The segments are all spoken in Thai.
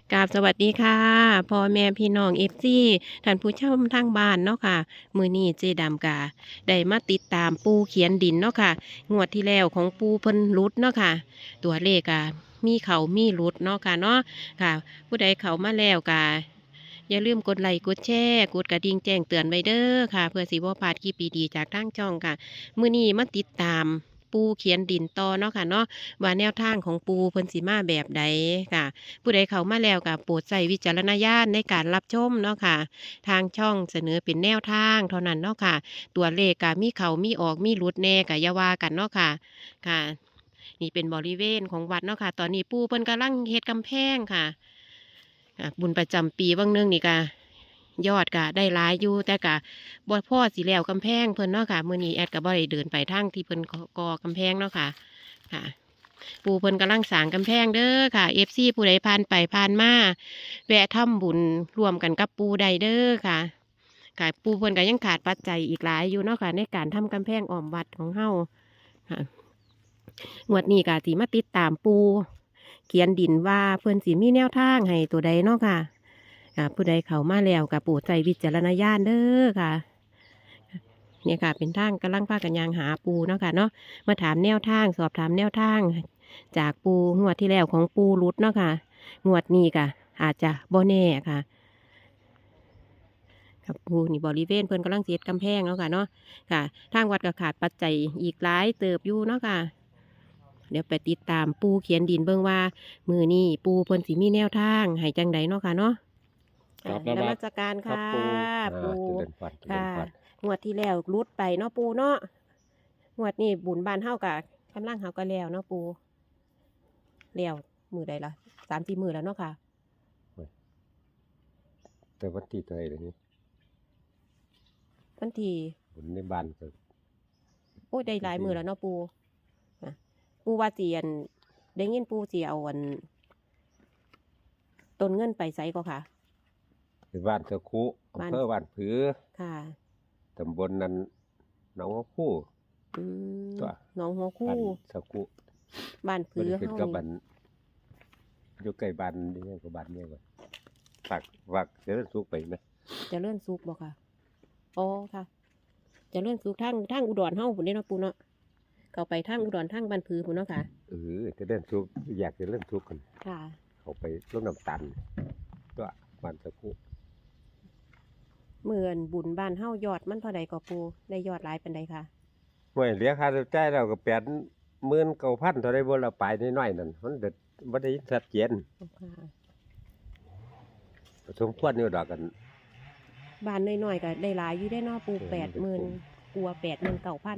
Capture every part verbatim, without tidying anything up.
กราบสวัสดีค่ะพ่อแม่พี่น้องเอฟซีท่านผู้ชมทางบ้านเนาะค่ะมือนี้เจดำกาได้มาติดตามปูเขียนดินเนาะค่ะงวดที่แล้วของปูเพิ่นรุดเนาะค่ะตัวเลขกะมีเขามีรุดเนาะค่ะเนาะค่ะผู้ใดเขามาแล้วกาอย่าลืมกดไลค์กดแชร์กดกระดิ่งแจ้งเตือนไว้เด้อค่ะเพื่อสิบ่พลาดคลิปดีๆจากทางช่องค่ะมือนี้มาติดตามปูเขียนดินต่อเนาะค่ะเนาะว่าแนวทางของปูเพิ่นสิมาแบบใดค่ะ ผู้ใดเข้ามาแล้วก็โปรดใช้วิจารณญาณในการรับชมเนาะค่ะทางช่องเสนอเป็นแนวทางเท่านั้นเนาะค่ะตัวเลขก็มีเขามีออกมีหลุดแน่ก็อย่าว่ากันเนาะค่ะค่ะนี่เป็นบริเวณของวัดเนาะค่ะตอนนี้ปู่เพิ่นกำลังเฮ็ดกำแพงค่ะอ่ะบุญประจำปีบางเนื่องนี่ก็ยอดก็ได้หลายอยู่แต่ก็บ่พอสิแล้วกำแพงเพิ่นเนาะค่ะมื้อนี้แอดก็บ่ได้เดินไปทางที่เพิ่นก่อกำแพงเนาะค่ะค่ะ ปูเพิ่นกำลังสร้างกำแพงเด้อค่ะเอฟซีผู้ใดผ่านไปผ่านมาแวะทำบุญร่วมกันกับปูใดเด้อค่ะค่ะปูเพิ่นก็ยังขาดปัจจัยอีกหลายอยู่เนาะค่ะในการทำกำแพงอ้อมวัดของเฮาค่ะงวดนี้ก็สิมาติดตามปูเขียนดินว่าเพิ่นสิมีแนวทางให้ตัวใดเนาะค่ะค่ะผู้ใดเข้ามาแล้วก็โปรดใช้วิจารณญาณเด้อค่ะเนี่ยค่ะเป็นทางกำลังพากันยางหาปูเนาะค่ะเนาะมาถามแนวทางสอบถามแนวทาง จากปูงวดที่แล้วของปูรุดเนาะค่ะงวดนี้ค่ะอาจจะบ่แน่ค่ะกับปูนี่บริเวณเพิ่นกำลังเสียดกำแพงเนาะค่ะเนาะค่ะทางวัดก็ขาดปัจจัยอีกหลายเติบอยู่เนาะค่ะเดี๋ยวไปติดตามปูเขียนดินเบิ่งว่ามือนี้ปูเพิ่นสิมีแนวทางให้จังใดเนาะค่ะเนาะครับอ่านมันมัสสการครับค่ะปูปูอ่าเจริญพรเจริค่ะญพรงวดที่แล้วรุดไปเนาะปูเนาะงวดนี้บุญบ้านเฮากะกำลังเฮาก็แล้วเนาะปูแล้วมือใดล่ะสามสี่มือแล้วเนาะค่ะโอ้ยแต่วันที่เท่าไหร่เดี๋ยวนี้วันที่บุญในบ้านก็โอ้ยได้หลายมือแล้วเนาะปูนะปูว่าเสียนได้เงินปูเสียเอาอันต้นเงินไปใส่ก็ค่ะเป็นบ้านสะคุบ้านอำเภอบ้านผือค่ะตำบลนั้นหนองหัวคู่อืมตัวหนองหัวบ้าคู่นสะคุบ้านบ่ผือได้ขึ้นเฮากับนี่บ้านอยู่ใกล้บ้านนี่ไงกับบ้านเนี่ยก่อนฝากฝากเจริญสุขไปไหมเจะเลื่อนซุกบ่ค่ะอ๋อค่ะเจะเลื่อนซุกทางทางอุดรเฮาพุ่นเด้เนาะปูเนาะเข้าไปทางอุดรทางบ้านผือพุ่นเนาะค่ะเออเจริญสุขอยากเจริญสุขกันค่ะเขาไปลงน้ำตันตัวบ้านสะคุเหมือนบุญบ้านเฮายอดมันเท่าใดก็ปูได้ยอดหลายปานใดค่ะเมื่อเหลียค่าใช้จ่ายแล้วก็แปดหมื่นเก้าพันเท่าไรบ่ละไปน้อยๆนั่นมันเด็ดบ่ได้ชัดเจนค่ะสมควรอยู่ดอกกันบ้านน้อยๆก็ได้หลายอยู่ได้เนาะปูเออแปดหมื่นมันก็คุ้มกลัวแปดหมื่นเก้าพัน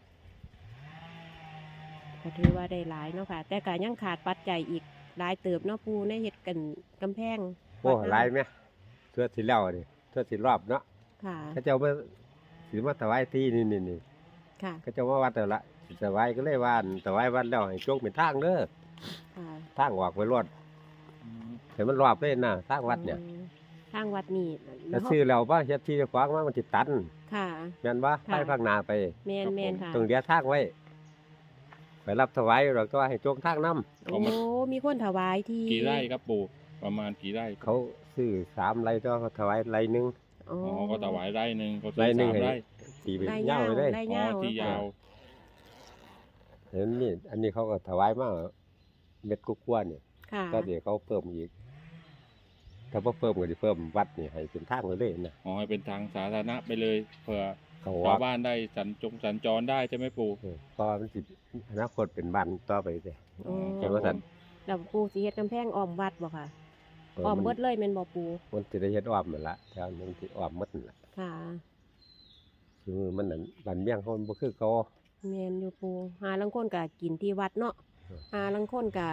ก็ถือว่าได้หลายเนาะค่ะ แต่ก็ยังขาดปัจจัยอีกหลายเติบเนาะปูในเฮ็ดกันกำแพงโอ้วัดหลายไหมเทื่อสิแล้วนี่เทื่อสิรอบเนาะค่ะเขาเจ้ามาสิมาถวายที่นี่นี่นี่ค่ะเขาเจ้ามาวัดแล้วละสิถวายก็เลยว่าอั่นถวายวัดแล้วให้จงเป็นทางเด้อค่ะทางออกไปรอดให้มันรอบเลยนะทางวัดเนี่ยอืมทางวัดนี่ถ้าซื้อแล้วว่าเฮ็ดที่จะขวางมามันสิตันค่ะแม่นบ่ค่ะไปข้างหน้าไปแมนแมนค่ะต้องเลียทางไว้ ไปรับถวายเราก็ให้จงทางนํโอ้มีคนถวายที่กี่ไร่ครับปู่ประมาณกี่ไร่เขาซื้อสามไร่ก็เขาถวายไร่หนึงอ๋ออ๋อก็ถวายไร่หนึ่งเขาซื้ไร่อหนึ่งสามให้ไร่ตีไปไร่ยาวไปเลยไร่อ๋อที่ยาวเห็นนี่อันนี้เขาก็ถวายมาเม็ดกุ๊กว่าเนี่ยค่ะก็เดี๋ยวเขาเพิ่มอีก ถ้าพอเพิ่มก็จะเพิ่มวัดนี่ให้เป็นทางไปเลยนะอ๋อให้เป็นทางสาธารณะไปเลยเผื่อเขาชาว่าวบ้านได้สัญจงสัญจรได้ใช่ไหมปู่เออเพราะว่ามันสิอนาคตเป็นบ้านต่อไปเลยอ๋อเห็นว่าสันแล้วปูสิเฮ็ดกำแพงอ้อมวัดบ่ค่ะเอออ้อมมันเบิดเลยแม่นบ่ปูมันจะได้เฮ็ดอ้อมนั่นละแถวนั้นที่อ้อมหมดนั่นละค่ะคือมันนั่นบ้านเมี่ยงเขามันบ่คือเขาแมนอยู่ปูหาลังคนกะกินที่วัดเนาะเออหาลังคนกะ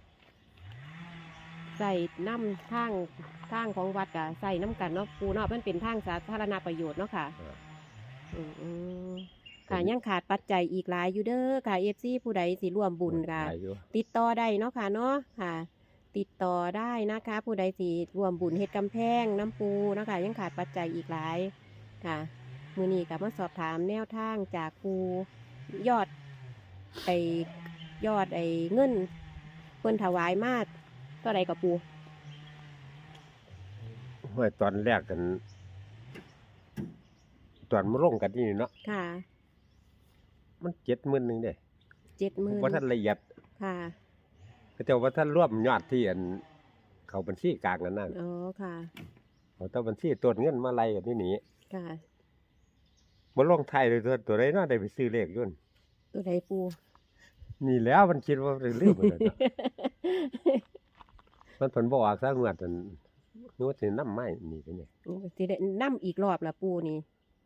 ใส่น้ำทางทางของวัดกะใส่น้ำกันเนาะปูเนาะมันเป็นทางสาธารณประโยชน์เนาะค่ะเอออืมอืมค่ะยังขาดปัจจัยอีกหลายอยู่เด้อค่ะเอฟซีผู้ใดสิร่วมบุญค่ะหลายอยู่ติดต่อได้เนาะค่ะเนาะค่ะ ติดต่อได้นะคะ ผู้ใดสิร่วมบุญเฮ็ดกำแพงน้ำปูเนาะค่ะยังขาดปัจจัยอีกหลายค่ะ มือนี้กับมาสอบถามแนวทางจากปูยอดไอยอดไอเงินเพิ่นถวายมาเท่าไรกับปูห้วยตอนแรกกันตอนมาลงกันนี่เนาะค่ะมันเจ็ดหมื่นหนึ่งเด้เจ็ดหมื่นว่าท่านละเอียดค่ะก็แต่ว่าท่านรวมยอดที่อันเขาบัญชีกลางนั่นน่ะอ๋อค่ะเขาต้องบัญชีตัวเงินมาไล่กันนี่หนีค่ะบ่ลงไทายเลยตัวตัวใดเนาะได้ไปซื้อเลขอยุ่นตัวใดปูนี่แล้วมันคิดว่าเรื่องมันเนาะ มันเพิ่นบ่ออกซะงวดอันงวดสินำไม้นี่ก็เนี่ยสิได้นำอีกรอบละปูนี่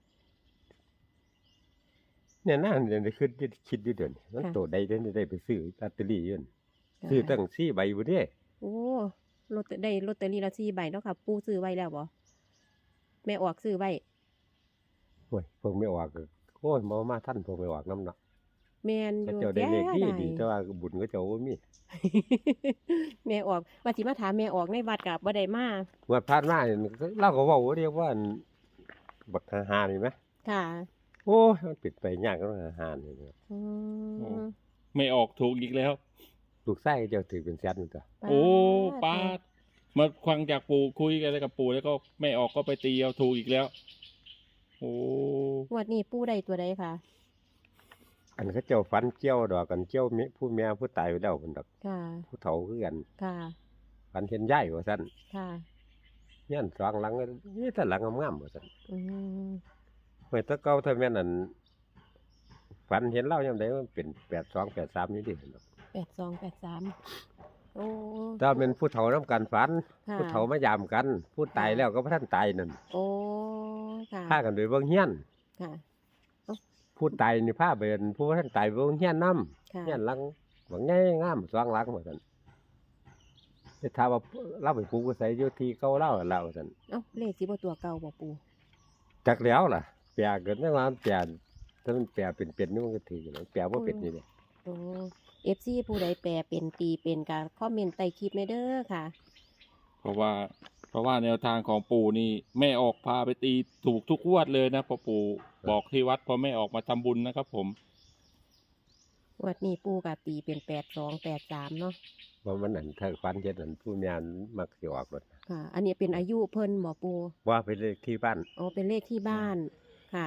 เนี่ยน่าจะได้คิดอยู่คิดอยู่เดี๋ยวนี้มันค่ะตัวใดเดี๋ยวนี้ได้ไปซื้อลอตเตอรี่อยุ่นค่ะซื้อตั้งสี่ใบบ่เด้โอ้ลอตเตอได้ลอตเตอรี่ละสี่ใบเนาะค่ะ ปูซื้อไว้แล้วบ่แม่ออกซื้อไว้โอ้ยพวกไม่ออกก็โอ้ยบ่มาทันพวกไม่ออกนำเนาะแม่นอเขายู่เจ้าได้เลขดีแย่ดีแต่ว่าบุญเขาเจ้าบ่มีแม่ออกว่าสิมาถามแม่ออกในวัดกับบ่ได้มางวดผ่านมาเนี่ยเราก็เว้าเรียกว่าอันบักหาๆนี่ไหมค่ะโอ้ยมันปิดไปยากก็หาๆนี่ครับอืมไม่ออกถูกอีกแล้วลูกไส้เจ้าถือเป็นแสนนี่ตัวโอ้ป้าดมาฟังจากปู่คุยกันกับปู่แล้วก็ไม่ออกก็ไปตีเอาถูกอีกแล้ว โอ้งวดนี้ปูได้ตัวใดค่ะอันเขาเจ้าฝันเจียวดอกกันเจียวมีผู้แม่ผู้ตายไปแล้วคนดอกค่ะผู้เฒ่าคือกันค่ะฝันเห็นยายว่าซั่นค่ะยันสองหลังนี่แต่หลังงามๆว่าซั่นอืมเมื่อแตะเก่าถ้าแม่นอันฝันเห็นเล่ายามใดมันเป็นแปดสองแปดสามนี่ดิเนาะแปดสองแปดสามโอ้ถ้าเป็นผู้เฒ่านำกันฝันค่ะผู้เฒ่ามายามกัน ผู้ตายแล้วก็บ่ทันตายนั่นโอ้ค่ะพากันไปเบิ่งเฮียนค่ะผู้ตายนี่พาไปอันผู้บ่ทันตายไปเบิ่งเฮียนนำค่ะเฮียนหลังบางใหญ่งามสองหลังว่าซั่นได้ถามว่าเราไปปลูกไว้ไสอยู่ที่เก่าเราหั่นล่ะว่าซั่นเอ้าเลขสิบ่ตัวเก่าบ่ปูจักแล้วล่ะแปลเกิดในว่ามันแปลถ้ามันแปลเป็นๆนี่มันก็ถืออยู่แล้วแปลบ่เป็นนี่แหละโอ้ เอฟ ซี ผู้ใดแปลเป็นตีเป็นก็คอมเมนต์ใต้คลิปในเด้อค่ะเพราะว่า เพราะว่าแนวทางของปู่นี่แม่ออกพาไปตีถูกทุกงวดเลยนะพอปู่บอกที่วัดพอแม่ออกมาทำบุญนะครับผมงวดนี้ปูก็ตีเป็นแปดสองแปดสามเนาะว่ามันนั่นถ้าฝันเฮ็ดนั่นผู้แม่นมักสิออกรถค่ะ อันนี้เป็นอายุเพิ่นบ่ปูว่าไปเลขที่บ้านอ๋อเป็นเลขที่บ้าน ค่ะ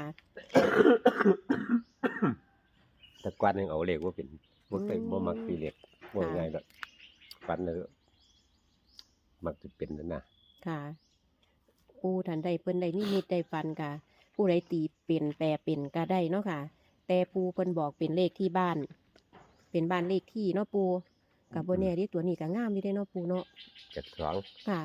แต่กวนยังเอาเลขบ่เป็นบ่เคยอืมบ่มักสิเลขบ่ค่ะง่ายดอกฝันแล้วมักสิเป็นนั่นน่ะค่ะ ปูทันใดเพิ่นได้นิมิตได้ฟันค่ะ ผู้ใดตีเป็นแปลเป็นก็ได้เนาะค่ะ แต่ปูเพิ่นบอกเป็นเลขที่บ้าน เป็นบ้านเลขที่เนาะปูกับโบแน่ที่ตัวนี้ก็งามอยู่ได้เนาะปูเนาะเจ็ดสองค่ะ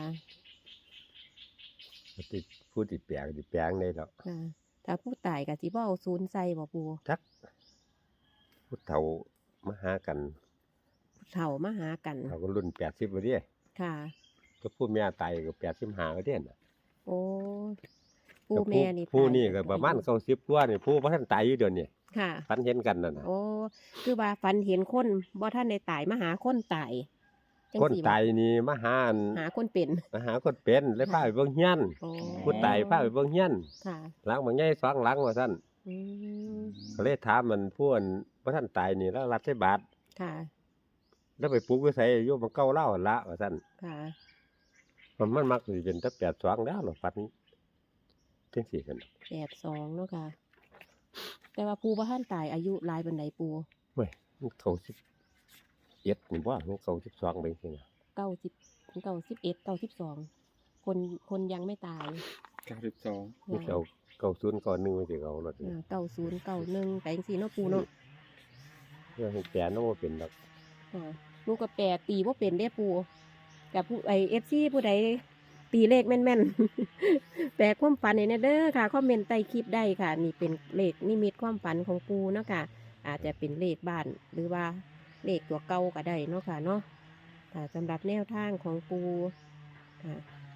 ที่ผู้ที่แปลงที่แปลงได้ดอกค่ะ ถ้าผู้ตายก็สิบ่เอาศูนย์ใส่บ่ปูจักผู้เฒ่ามาหากันผู้เฒ่ามาหากันเขาก็รุ่นแปดสิบบ่เด้ค่ะก็ผู้แม่ตายก็แปดสิบห้าบ่เด้น่ะโอ้ปูแม่นี่ผู้ตายนี่ก็ประมาณเก้าสิบกว่านี่ผู้บ่ทันตายอยู่เดี๋ยวนี้ค่ะฝันเห็นกันนั่นน่ะโอ้คือว่าฝันเห็นคนบ่ท่านได้ตายมาหาคนตายจังคนสิบ่ตายนี่มาหาอันหาคนเป็นมาหาคนเป็นเลยพาไปเบิ่งเฮียนโอ้ผู้ตายพาไปเบิ่งเฮียนค่ะหลังบางใหญ่สองหลังว่าซั่นอืมก็เลยถามมันผู้อันบ่ทันตายนี่แล้วรับใช้บาทค่ะแล้วไปปลูกไว้ไสอยู่มันเก่าเล่าหั่นละว่าซั่นค่ะมันมันมักสิเป็นแต่แปดสองแล้วหรอฝันจังซี่กันแปดสองเนาะค่ะ แต่ว่าปูบ่ท่านตายอายุหลายบันไดปูเว้ยมันเข้าสิบเอ็ดนี่บ่มันเข้าสิบสองไปจังซี่นะเก้าสิบเก้าสิบเอ็ดเก้าสิบสองคนคนยังไม่ตายเก้าสิบสองมันเอาเก้าศูนย์เก้าหนึ่งไว้สิเอารถนี่เก้าศูนย์เก้าหนึ่งแต่ยังสี่เนาะปูเนาะเพื่อให้แปลนบ่เป็นดอกค่ะลูกก็แปรตีว่าเป็นได้ปูกับผู้ไอเอฟซีผู้ใดตีเลขแม่นๆ แปลความฝันในเด้อค่ะคอมเมนต์ใต้คลิปได้ค่ะ นี่เป็นเลขนิมิตความฝันของปูเนาะค่ะ อาจจะเป็นเลขบ้านหรือว่าเลขตัวเก่าก็ได้เนาะค่ะเนาะค่ะสำหรับแนวทางของปูค่ะ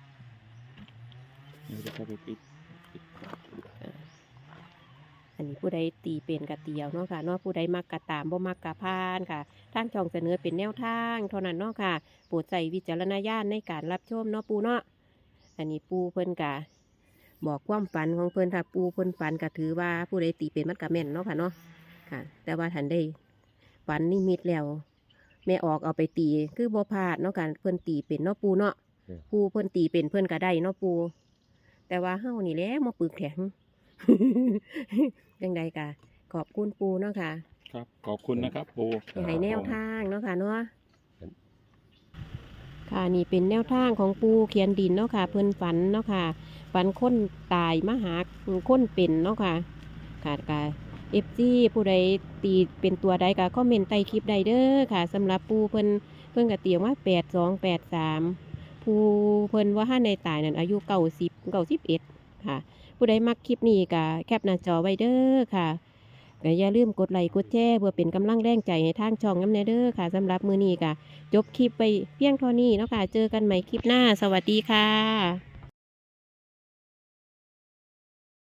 เดี๋ยวจะเข้าไปปิดปิดอันนี้ผู้ใดตีเป็นกะเตียวเนาะค่ะเนาะผู้ใดมักกะตามบ่มักกะพานค่ะทางช่องเสนอเป็นแนวทางเท่านั้นเนาะค่ะโปรดใส่วิจารณญาณในการรับชมเนาะปูเนาะอันนี้ปูเพิ่นกะบอกความฝันของเพิ่นค่ะปูเพิ่นฝันก็ถือว่าผู้ใดตีเป็นมันกะแม่นเนาะค่ะเนาะค่ะ แต่ว่าทันได้ฝันนิมิตแล้วแม่ออกเอาไปตีคือบ่พลาดเนาะค่ะเพิ่นตีเป็นเนาะปูเนาะเออปูเพิ่นตีเป็นเพิ่นก็ได้เนาะปูแต่ว่าเฮานี่แหละมาปึกแข็ง จังใดกะขอบคุณปูเนาะค่ะครับขอบคุณนะครับปู่ที่ให้แนวทางเนาะค่ะเนาะค่ะนี่เป็นแนวทางของปูเขียนดินเนาะค่ะ เพิ่นฝันเนาะค่ะฝันคนตายมาหาคนเป็นเนาะค่ะค่ะกะเอฟซีผู้ใดตีเป็นตัวใดก็คอมเมนต์ใต้คลิปใดเด้อค่ะสำหรับปูเพิ่นเพิ่นก็เตียงว่าแปดสองแปดสามผู้เพิ่นว่าห้าในตายนั่นอายุเก้าสิบเก้าสิบเอ็ดค่ะ ผู้ใดมักคลิปนี้ก็แคปหน้าจอไว้เด้อค่ะก็อย่าลืมกดไลค์กดแชร์เพื่อเป็นกำลังแรงใจให้ทางช่องน้ำแน่เด้อค่ะสำหรับมื้อนี้ก็จบคลิปไปเพียงเท่านี้เนาะค่ะเจอกันใหม่คลิปหน้าสวัสดีค่ะ